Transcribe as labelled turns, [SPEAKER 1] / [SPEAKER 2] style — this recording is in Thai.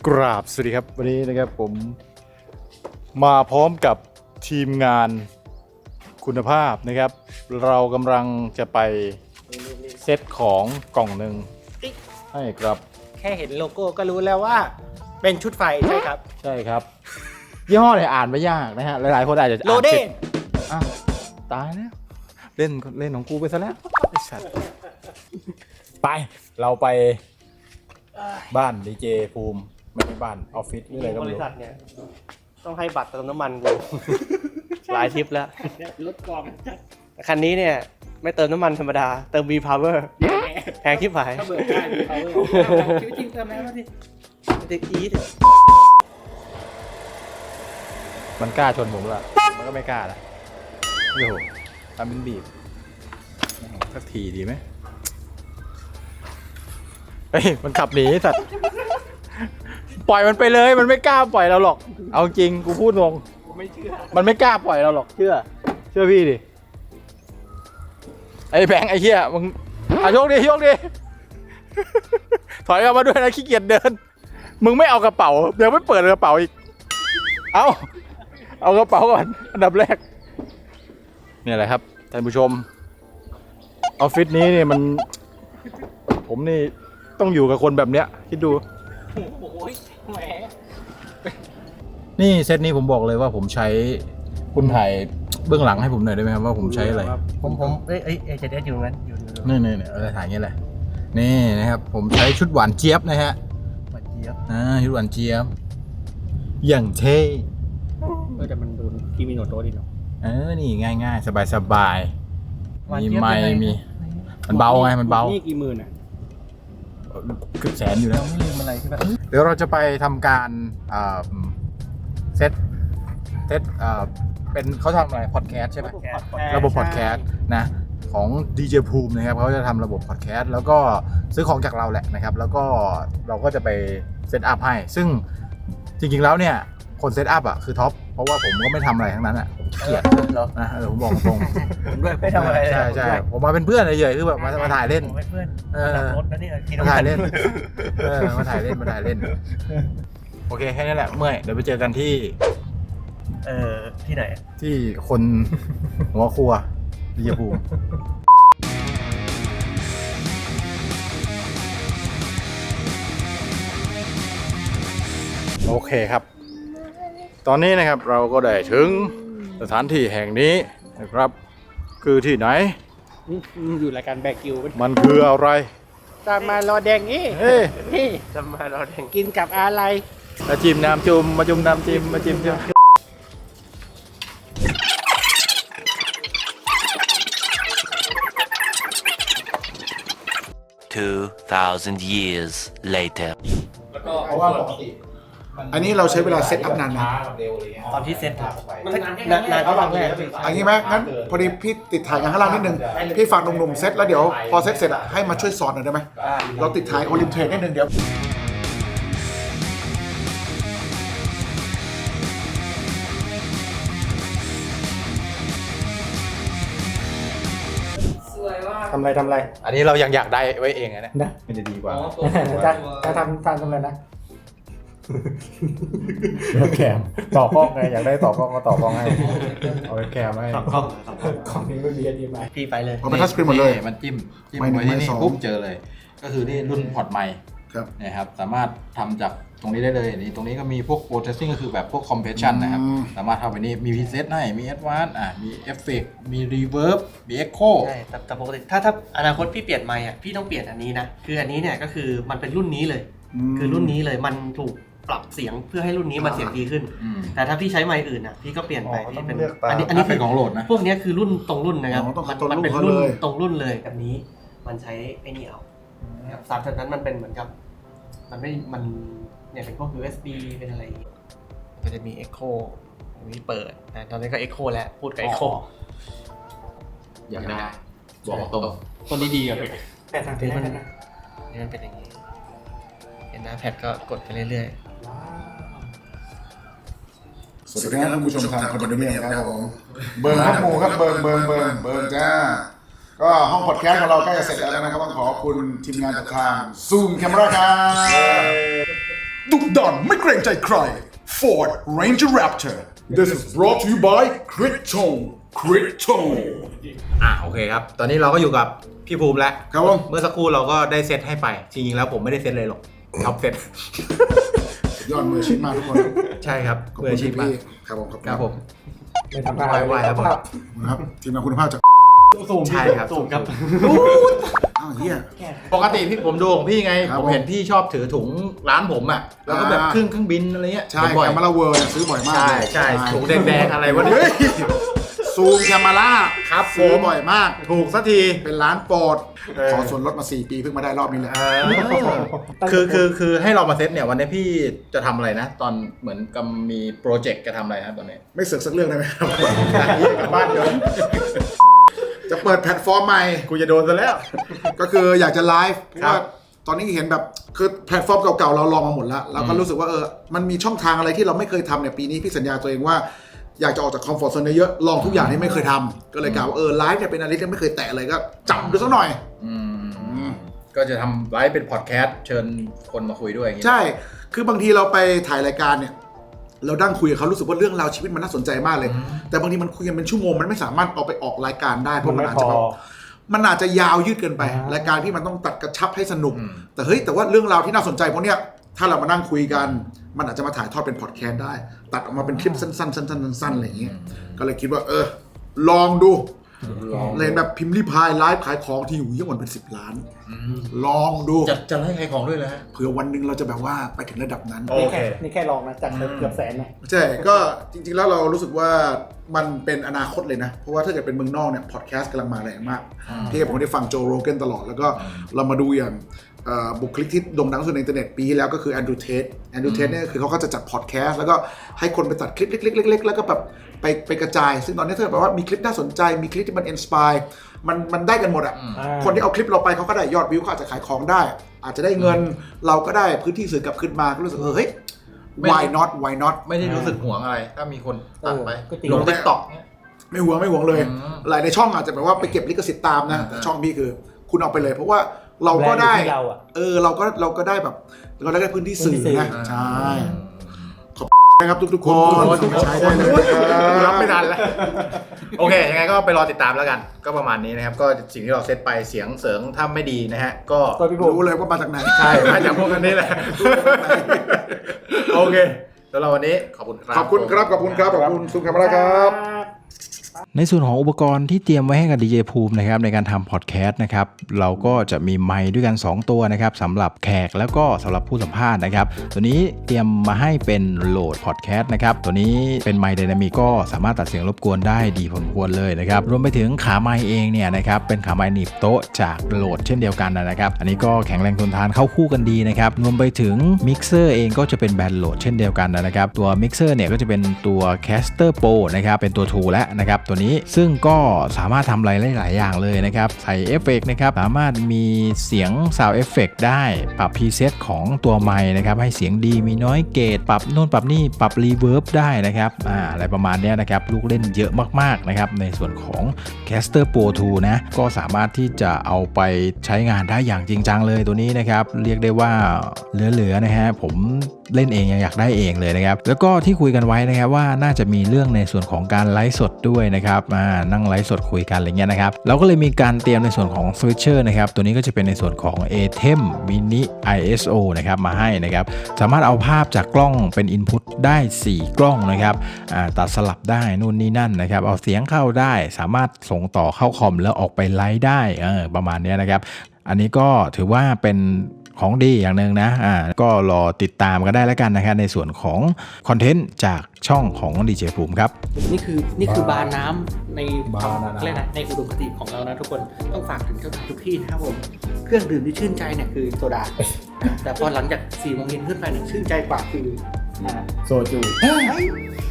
[SPEAKER 1] กราบสวัสดีครับวันนี้นะครับผมมาพร้อมกับทีมงานคุณภาพนะครับเรากำลังจะไปเซตของกล่องหนึ่งให้ครับ
[SPEAKER 2] แค่เห็นโลโก้ก็รู้แล้วว่าเป็นชุดไฟใช่ครับ
[SPEAKER 1] ใช่ครับยี่ห้อเนี่ยอ่านไม่ยากนะฮะหลายๆคนอาจจะ
[SPEAKER 2] โลเด้
[SPEAKER 1] อ้าวตายแล้วเล่นของกูไปซะแล้วไอ้สัตว์ไปเราไปบ้านดีเจภูมิไม่ใช่บ้านออฟฟิศหรืออะไรก็ไม่รู้
[SPEAKER 2] บริษัทเนี่ยต้องให้บัตรเติมน้ำมันกู หลายทริปแล้วรถกองคันนี้เนี่ยไม่เติมน้ำมันธรรมดาเติม V Power แพงที่ผายเบิกได้ V Power ชีวิตจริงเติมแล้วสิเด็กอีท
[SPEAKER 1] มันกล้าชนผมละมันก็ไม่กล้าละโอ้โหทำเป็นบีบสักทีดีไหมเฮ้ยมันขับหนีสัตว์ปล่อยมันไปเลยมันไม่กล้าปล่อยเราหรอกเอาจริงกูพูดงง
[SPEAKER 2] ไม่เชื่อ
[SPEAKER 1] มันไม่กล้าปล่อยเราหรอกเชื่อพี่ดิไอ้แบงค์ไอ้เหี้ยมึงโชคดีถอยออกมาด้วยนะขี้เกียจเดินมึงไม่เอากระเป๋าเดี๋ยวไม่เปิดกระเป๋าอีกเอากระเป๋าก่อนอันดับแรกเนี่ยแหละครับท่านผู้ชมออฟฟิศนี้เนี่ยมันผมนี่ต้องอยู่กับคนแบบเนี้ยคิดดู
[SPEAKER 2] โอ้ยแหม
[SPEAKER 1] นี่เซตนี้ผมบอกเลยว่าผมใช้คุณถ่ายเบื้องหลังให้ผมหน่อยได้ไหมครับว่าผมใช้อะไร
[SPEAKER 2] ผมจะได้อยู่งั้นอยู่
[SPEAKER 1] นี่อะไรถ่ายอย่างเงี้ยเลยนี่นะครับผมใช้ชุดหวานเจี๊ยบนะฮะ
[SPEAKER 2] หวานเจี๊ยบ
[SPEAKER 1] ชุดหวานเจี๊ยบอย่างเท่
[SPEAKER 2] แต่มันดูคีมิโนโตะดิเนาะ
[SPEAKER 1] นี่ง่ายๆสบายมีไมค์มีมันเบาไงมันเบา
[SPEAKER 2] นี่กี่หมื่นอ่ะ
[SPEAKER 1] เกือบแสนอยู่แล้ว
[SPEAKER 2] ไม่ลืมอะไรใช่ไหม
[SPEAKER 1] เดี๋ยวเราจะไปทำการเซตเป็นเขาทำอะไรพอดแคสต์ใช่ไหมระบบพอดแคสต์นะของดีเจภูมินะครับเขาจะทำระบบพอดแคสต์แล้วก็ซื้อของจากเราแหละนะครับแล้วก็เราก็จะไปเซตอัพให้ซึ่งจริงๆแล้วเนี่ยคนเซตอัพอ่ะคือท็อปเพราะว่าผมก็ไม่ทำอะไรทั้งนั้นอ่ะผมเกลียดนะผมบอกตรง
[SPEAKER 2] ผมด้วยไม่ทำอะไร
[SPEAKER 1] ใช่ผมมาเป็นเพื่อนเฉยๆคือแบบมาถ่ายเล่น
[SPEAKER 2] เพื่อนรถแล้วนี่
[SPEAKER 1] มาถ่ายเล่นมาถ่ายเล่นโอเคแค่นี้แหละเมื่อยเดี๋ยวไปเจอกันที่
[SPEAKER 2] ที่ไหน
[SPEAKER 1] ที่คนหัวครัวดีเจภูมิโอเคครับตอนนี้นะครับเราก็ได้ถึงสถานที่แห่งนี้นะครับคือที่ไหน
[SPEAKER 2] อยู่รายการแบกิว
[SPEAKER 1] มันคืออะไร
[SPEAKER 2] ตามมารอแดงนี่ตามมารอแดงกินกับอะไร
[SPEAKER 1] มาจิ้มน้ำจุ่มมาจุ่มน้ำจิ้มมาจิ้มจ้ะ
[SPEAKER 3] 2,000 years later
[SPEAKER 1] เพราะว่าปกติ
[SPEAKER 4] อันนี้เราใช้เวลาเซตอัพนานนะ
[SPEAKER 2] ตอนที่เซตนานก็บางแรก
[SPEAKER 4] อันนี้ไหมงั้นพอดีพี่ติดถ่ายงานข้างล่างนิดนึงพี่ฝากหนุ่มๆเซตแล้วเดี๋ยวพอเซตเสร็จอ่ะให้มาช่วยสอนหน่อยได้ไหมเราติดถ่ายโอลิมเทรดนิดนึงเดี๋ยว
[SPEAKER 2] ทำอะไร
[SPEAKER 1] อันนี้เรายังอยากได้ไว้เองนะมันจะดีกว่า
[SPEAKER 2] จะทำอะไรนะ
[SPEAKER 1] แคมต่อกล้องไงอยากได้ต่อกล้องก็ต่อกล้องให้เอาแคมให้
[SPEAKER 2] ของนี้ไม่มีดีไหมพี่ไปเลย
[SPEAKER 4] เอาไปทัชสกรีนหมดเลย
[SPEAKER 1] มันจิ้มไว้ที่นี่ปุ๊บเจอเลยก็คือนี่รุ่นพอร์ตไมค์นะครับสามารถทำจากตรงนี้ได้เลยนี่ตรงนี้ก็มีพวก processing ก็คือแบบพวก compression นะครับสามารถทำไปนี่มี preset ให้มี advanced มีเอฟเฟกต์มี reverb มี echo
[SPEAKER 2] ใช่แต่ปกติถ้าอนาคตพี่เปลี่ยนไมค์อ่ะพี่ต้องเปลี่ยนอันนี้นะคืออันนี้เนี่ยก็คือมันเป็นรุ่นนี้เลยคือรุ่นนี้เลยมันถูกปรับเสียงเพื่อให้รุ่นนี้มันเสียงดีขึ้นแต่ถ้าพี่ใช้ไมค์อื่นอ่ะพี่ก็เปลี่ยนไปที่เป็น
[SPEAKER 1] อันนี้เป็นของโหลดนะ
[SPEAKER 2] พวกนี้คือรุ่นตรงรุ่นนะครับมันเป็นรุ่นตรงรุ่นเลยแบบนี้มันใช้ไอ้นี่เอาสามจุดนั้นมันเป็นเหมือนกับมันเนี่ยเป็นพวก USB เป็นอะไรก็จะมี Echo มีเปิดนะตอนนี้ก็ Echo แล้วพูดกับ Echo
[SPEAKER 1] อยากได้บอกตรง
[SPEAKER 2] คนนี้ดีอ่ะพี่แต่ทางนี้มันเป็นอย่างนี้เห็นหน้าแพดก็กดไปเรื่อย
[SPEAKER 4] ๆสวัสดีครับท่านผู้ชมทางคอนโดมิเนียมครับผมเบิร์นข้อมูลครับเบิร์นจ้าก็ห้องพอดแคสต์ของเราใกล้จะเสร็จแล้วนะครับต้องขอบคุณทีมงานจากทาง Zoom Camera ครับดุดันไม่เกรงใจใคร Ford Ranger Raptor This is brought to you by Critone Critone
[SPEAKER 1] โอเคครับ ตอนนี้เราก็อยู่กับพี่ภูมิแล้ว
[SPEAKER 4] ครับผม
[SPEAKER 1] เมื่อสักครู่เราก็ได้เซตให้ไป จริงๆแล้วผมไม่ได้เซตเลยหรอกท็อปเซต
[SPEAKER 4] ยอดมืออาชีพมากทุกคน
[SPEAKER 1] ใช่ครับ
[SPEAKER 4] ขอบ
[SPEAKER 1] มือ
[SPEAKER 4] คุณ
[SPEAKER 1] อาชีพมาก
[SPEAKER 4] พี่ครับผม
[SPEAKER 1] ครับผม
[SPEAKER 5] ไม่ทำได้
[SPEAKER 1] ไหวๆครับผม
[SPEAKER 4] นะครับทีมงานคุณภาพจาก
[SPEAKER 2] สูง
[SPEAKER 1] ใช่ครับ
[SPEAKER 2] สูงครับ
[SPEAKER 4] อ้าวเฮีย
[SPEAKER 1] ปกติพี่ผมดูของพี่ไง
[SPEAKER 4] ครับ
[SPEAKER 1] ผมเห็นพี่ชอบถือถุงร้านผมอ่ะ แล้วก็แบบเครื่องบินอะไรเงี้ย
[SPEAKER 4] ใช่
[SPEAKER 1] เห็นบ่อย
[SPEAKER 4] แคมมาราเวิร์ซื้อบ่อยมาก
[SPEAKER 1] ใช่ใช่ถุงแดงๆอะไรวะเนี่ย
[SPEAKER 4] เฮ้ยซูมแคมมาร่า
[SPEAKER 1] ครับ
[SPEAKER 4] ซื้อ
[SPEAKER 1] ผม
[SPEAKER 4] บ่อยมาก
[SPEAKER 1] ถูกสักที
[SPEAKER 4] เป็นร้านโปรด
[SPEAKER 1] เออ
[SPEAKER 4] ขอส่วนลดมา 4 ปีเพิ่งมาได้รอบนี้แหละ
[SPEAKER 1] คือให้เรามาเซตเนี่ยวันนี้พี่จะทำอะไรนะ ตอนเหมือนกับมีโปรเจกต์จะทำอะไรนะตอนนี้
[SPEAKER 4] ไม่เสือกสักเรื่องได้ไหมครับ
[SPEAKER 1] กลับบ้านเดี๋ยว
[SPEAKER 4] จะเปิดแพลตฟอร์มใหม่
[SPEAKER 1] กูจะโดนซะแล้ว
[SPEAKER 4] ก็คืออยากจะไลฟ์เพราะ
[SPEAKER 1] ครั
[SPEAKER 4] ว่า
[SPEAKER 1] บ
[SPEAKER 4] ตอนนี้เห็นแบบคือแพลตฟอร์มเก่าๆเราลองมาหมดแล้วเราก็รู้สึกว่ามันมีช่องทางอะไรที่เราไม่เคยทำเนี่ยปีนี้พี่สัญญาตัวเองว่าอยากจะออกจากคอมฟอร์ทโซนเยอะๆลองทุกอย่างที่ไม่เคยทำก็เลยกล่าวว่าไลฟ์เนี่ยเป็นอะไรที่ไม่เคยแตะเลยก็จับดูสักหน่อย
[SPEAKER 1] ก็จะทำไลฟ์เป็นพอดแคสต์เชิญคนมาคุยด้วยอย่างงี้
[SPEAKER 4] ใช่ คือบางทีเราไปถ่ายรายการเนี่ยเราดั้งคุยกับเขารู้สึกว่าเรื่องราวชีวิตมันน่าสนใจมากเลย แต่บางทีมันคุยกันเป็นชั่วโมงมันไม่สามารถเอาไปออกรายการได้เพราะมันอาจจะแบบมันอาจจะยาวยืดเกินไป รายการที่มันต้องตัดกระชับให้สนุก แต่ว่าเรื่องราวที่น่าสนใจพวกเนี้ยถ้าเรามานั่งคุยกันมันอาจจะมาถ่ายทอดเป็นพอดแคสต์ได้ตัดออกมาเป็นคลิปสั้นๆสั้นๆอะไรอย่างเงี้ยก็เลยคิดว่าลองดูเลยแบบพิมพ์รีพายไลฟ์ขายของที่อยู่เยอะกว่าเป็น10 ล้านลองดู
[SPEAKER 1] จะให้ใครของด้วยเลยฮะ
[SPEAKER 4] เผื่อวันหนึ่งเราจะแบบว่าไปถึงระดับนั้น
[SPEAKER 1] โอเค
[SPEAKER 5] นี่แค่ลองนะจากเกือบแสนนะ
[SPEAKER 4] ใช่ ก็จริงๆแล้วเรารู้สึกว่ามันเป็นอนาคตเลยนะ เพราะว่าถ้าเกิดเป็นเมืองนอกเนี่ยพอดแคสต์กำลังมาแรงมากพี่ผมได้ฟังโจโรเกนตลอดแล้วก็เรามาดูอย่างบุคลิกที่โด่งดังสุดในอินเทอร์เน็ตปีที่แล้วก็คือแอนดรูว์เทสเนี่ยคือเขาก็จะจัดพอดแคสต์แล้วก็ให้คนไปตัดคลิปเล็กๆๆแล้วก็แบบไปกระจายซึ่งตอนนี้ถ้าแบบว่ามีคลิปน่าสนใจมีคลิปที่มันอินสปายมันได้กันหมดอ่ะคนที่เอาคลิปเราไปเขาก็ได้ยอดวิวเขาอาจจะขายของได้ อาจจะได้เงินเราก็ได้พื้นที่สื่อกลับขึ้นมาก็รู้สึกเฮ้ย why not
[SPEAKER 1] ไม่ได้รู้สึกห่วงอะไร ถ้ามีคนตัดไป
[SPEAKER 5] ก็จริง
[SPEAKER 1] ลง TikTok เนี่ย
[SPEAKER 4] ไม่ห่วงเลย หลายในช่องอาจจะแบบว่าไปเก็บลิขสิทธิ์ตามนะแต่ช่องพี่คือคุณเอาไปเลยเพราะว่าเราก็ได้
[SPEAKER 5] แบรนด์อยู่ที่เราอะ
[SPEAKER 4] เราก็ได้แบบเราได้พื้นที่สื่อ
[SPEAKER 5] พื้นที่สื่อ
[SPEAKER 4] นะใช่ขอบคุณนะครับทุกๆคนใช้ได้เลย
[SPEAKER 1] รับไม่ทันแล้ว โอเค ยังไงก็ไปรอติดตามแล้วกัน ก็ประมาณนี้นะครับ ก็สิ่งที่เราเซตไปเสียงเสริงถ้าไม่ดีนะฮะ ก็
[SPEAKER 5] ก็พี่ผม
[SPEAKER 4] รู้เลยว่ามาจากไหน
[SPEAKER 1] ใช่มาจากพวกกันนี่แหละ โอเคสำหรับวันนี้ขอบคุณครับ
[SPEAKER 4] ขอบคุณครับขอบคุณซูมคาเมราครับ
[SPEAKER 1] ในส่วนของอุปกรณ์ที่เตรียมไว้ให้กับ DJ ภูมินะครับในการทำพอดแคสต์นะครับเราก็จะมีไมค์ด้วยกัน2ตัวนะครับสำหรับแขกแล้วก็สำหรับผู้สัมภาษณ์นะครับตัวนี้เตรียมมาให้เป็นโหลดพอดแคสต์นะครับตัวนี้เป็นไมค์ไดนามิกก็สามารถตัดเสียงรบกวนได้ดีพอสมควรเลยนะครับรวมไปถึงขาไมค์เองเนี่ยนะครับเป็นขาไมค์หนีบโต๊ะจากโหลดเช่นเดียวกันนะครับอันนี้ก็แข็งแรงทนทานเข้าคู่กันดีนะครับรวมไปถึงมิกเซอร์เองก็จะเป็นแบรนด์โหลดเช่นเดียวกันนะครับตัวมิกเซอร์เนี่ยก็จะเป็นตัว Caster Pro นะครับเป็นตัว 2 แล้วนะครับตัวนี้ซึ่งก็สามารถทำอะไรได้หลายอย่างเลยนะครับใส่เอฟเฟกต์นะครับสามารถมีเสียง Sound Effect ได้ปรับพรีเซตของตัวไมค์นะครับให้เสียงดีมีน้อยเกตปรับโน่นปรับนี่ปรับรีเวิร์บได้นะครับอะไรประมาณนี้นะครับลูกเล่นเยอะมากๆนะครับในส่วนของ Caster Pro 2 นะก็สามารถที่จะเอาไปใช้งานได้อย่างจริงจังเลยตัวนี้นะครับเรียกได้ว่าเหลือๆนะฮะผมเล่นเองยังอยากได้เองเลยนะครับแล้วก็ที่คุยกันไว้นะครับว่าน่าจะมีเรื่องในส่วนของการไลฟ์สดด้วยนะครับนั่งไลฟ์สดคุยกันอะไรเงี้ยนะครับเราก็เลยมีการเตรียมในส่วนของ Switcher นะครับตัวนี้ก็จะเป็นในส่วนของ ATEM Mini ISO นะครับมาให้นะครับสามารถเอาภาพจากกล้องเป็น Input ได้4กล้องนะครับตัดสลับได้นู่นนี่นั่นนะครับเอาเสียงเข้าได้สามารถส่งต่อเข้าคอมแล้วออกไปไลฟ์ได้ประมาณนี้นะครับอันนี้ก็ถือว่าเป็นของดีอย่างหนึ่งนะก็รอติดตามกันได้แล้วกันนะครับในส่วนของคอนเทนต์จากช่องของ DJ ภูมิครับ
[SPEAKER 5] นี่คือบาร์น้ำในเรียกนะในอุดมคติของเรานะทุกคนต้องฝากถึงเจ้าหน้าทุกที่นะครับผมเครื่องดื่มที่ชื่นใจเนี่ยคือโซดาแต่พอหลังจาก4 โมงเย็นขึ้นไปเนี่ยชื่นใจกว่าคือ
[SPEAKER 6] โซจู